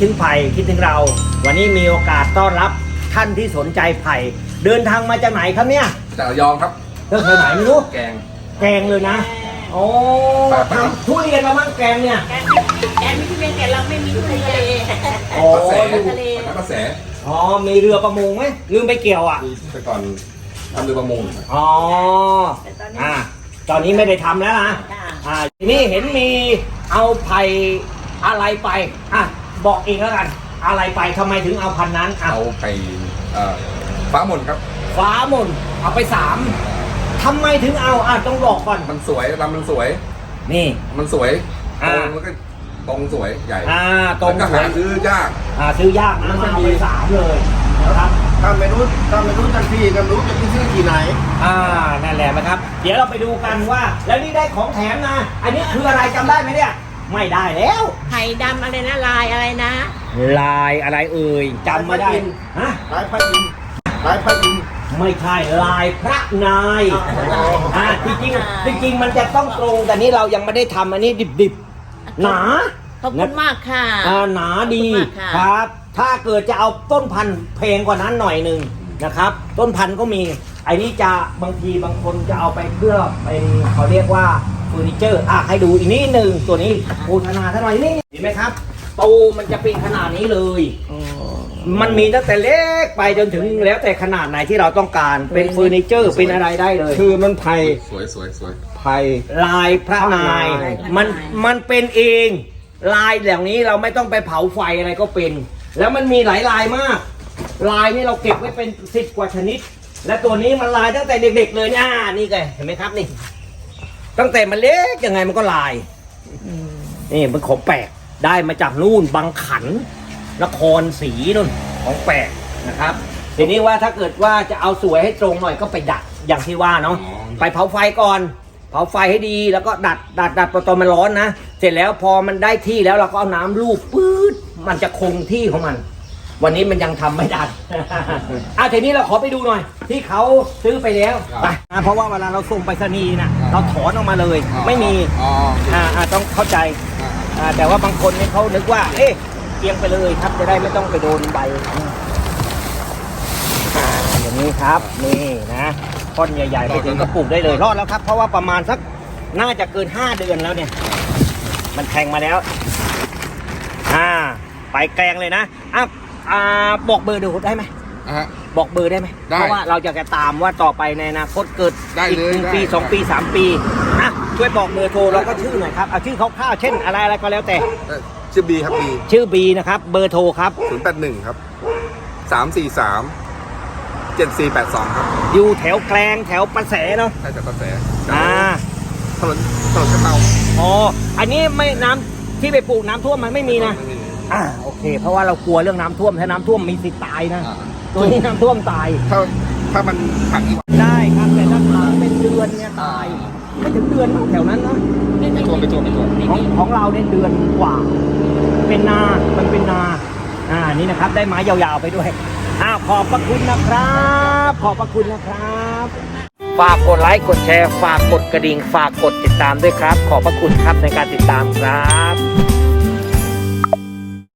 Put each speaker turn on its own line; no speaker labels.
ถึงไผ่คิดถึงเราวันนี้มีโอกาสต้อนรับท่านที่สนใจไผ่เดินทางมาจากไหนครับเนี่ย
จากระยองครับ
เดินทางไหนไม่รู้
แ
กงเลยนะโอ้ทำทุเรียนมาบ้างแกงเนี่ย
แกมีทุเรียนแต่เราไม่มีทะเล
โอ้
ทะเลกระแส
อ๋อมีเรือประมงไหมลืมไปเกี่ยวอ่ะ
แต่ก่อนทำเรือประมง
อ๋อตอนนี้ไม่ได้ทำแล้วนะทีนี้เห็นมีเอาไผ่อะไรไปบอกเองแล้วกันอะไรไปทำไมถึงเอาพันนั้น
เอาไปฟ้ามนครับ
ฟ้ามนเอาไป3ทำไมถึงเอาต้องบอกก่อน
มันสวยลำมันสวย
นี่
มันสวยมันก็ตรงสวยใหญ่
ตรง
สวยซื้อยาก
ซื้อยากนะมันเอาไป3เลยนะครับ
ถ้าไม่รู้ทันทีกันรู้จะไปซื้อที่ไหน
นั่นแหละนะครับเดี๋ยวเราไปดูกันว่าแล้วนี่ได้ของแถมนะอันนี้คืออะไรจำได้ไหมเนี่ยไม่ได้แล้ว
ไผ่ดำอะไรนะลายอะไรนะ
ลายอะไรเอ่ยจำไม่ได้
ลายพระอินทร์
ไม่ใช่ลายพระนายจริงมันจะต้องตรงแต่นี้เรายังไม่ได้ทำอันนี้ดิบหนา
ขอบคุณมากค่ะ
หนาดีครับถ้าเกิดจะเอาต้นพันธุ์เพลงกว่านั้นหน่อยหนึ่งนะครับต้นพันธุ์ก็มีไอ้นี้จะบางทีบางคนจะเอาไปเพื่อเป็นเขาเรียกว่าเฟอร์นิเจอร์ให้ดูอีกนิดนึงตัวนี้โฆษณาท่านหน่อยนี่เห็นไหมครับตูมันจะเป็นขนาดนี้เลยมันมีตั้งแต่เล็กไปจนถึงแล้วแต่ขนาดไหนที่เราต้องการเป็นเฟอร์นิเจอร์เป็นอะไรได้เลย
คือมันไผ่
สวย
ไผ่
ลายพระนายมันเป็นเองลายอย่างนี้เราไม่ต้องไปเผาไฟอะไรก็เป็นแล้วมันมีหลายลายมากลายนี่เราเก็บไว้เป็น10 กว่าชนิดและตัวนี้มันลายตั้งแต่เด็กๆเลยนี่ไงเห็นไหมครับนี่ตั้งแต่มันเล็กยังไงมันก็ลายนี่มันของแปลกได้มาจากนู่นบางขันนครศรีนู่นของแปลกนะครับทีนี้ว่าถ้าเกิดว่าจะเอาสวยให้ตรงหน่อยก็ไปดัดอย่างที่ว่าเนาะไปเผาไฟก่อนเผาไฟให้ดีแล้วก็ดัดตอนมันร้อนนะเสร็จแล้วพอมันได้ที่แล้วเราก็เอาน้ำลูบปื๊ดมันจะคงที่ของมันวันนี้มันยังทำไม่ได้ทีนี้เราขอไปดูหน่อยที่เขาซื้อไปแล้วไปเพราะว่าเวลาเราส่งไปรษณีย์นะเราถอนออกมาเลยไม่มีต้องเข้าใจแต่ว่าบางคนเนี่ยเขานึกว่าเอียงไปเลยครับจะได้ไม่ต้องไปโดนใบอย่างนี้ครับนี่นะท่อนใหญ่ๆไปถึงกระปุกได้เลยรอดแล้วครับเพราะว่าประมาณสักน่าจะเกิน5 เดือนแล้วเนี่ยมันแทงมาแล้วไปแกงเลยนะบอกเบอร์ดูได้ไหมบอกเบอร์ได้ไหมเพราะว่าเราจะตามว่าต่อไปในอนาคตเกิดอีก1 ปี 2 ปี 3 ปีช่วยบอกเบอร์โทรเราก็ชื่อหน่อยครับเอาชื่อคร่าวๆเช่นอะไรก็แล้วแต่
ชื่อบีครับ
ชื่อบีนะครับเบอร์โทรครับ
081ครับ343 7482ครับ
อยู่แถวแกลงแถวประแสเนาะ
ใช่จากประแสถนนกระเตา
อันนี้ไม่น้ำที่ไปปลูกน้ำท่วมมันไม่มีนะโอเคเพราะว่าเรากลัวเรื่องน้ำท่วมถ้าน้ำท่วมมีสิทธิ์ตายนะตัวนี้น้ำท่วมตาย
ถ้ามันขัง
ได้ครับแต่ถ้าเป็นเดือนเนี่ยตายไม่ถึงเดือนแถวนั้นนะ
ไม่ท่วม
ของเราเนี่ยเดือนกว่าเป็นนามันเป็นนานี่นะครับได้ไม้ยาวๆไปด้วยขอบพระคุณนะครับขอบพระคุณนะครับฝากกดไลค์กดแชร์ฝากกดกระดิ่งฝากกดติดตามด้วยครับขอบพระคุณครับในการติดตามครับ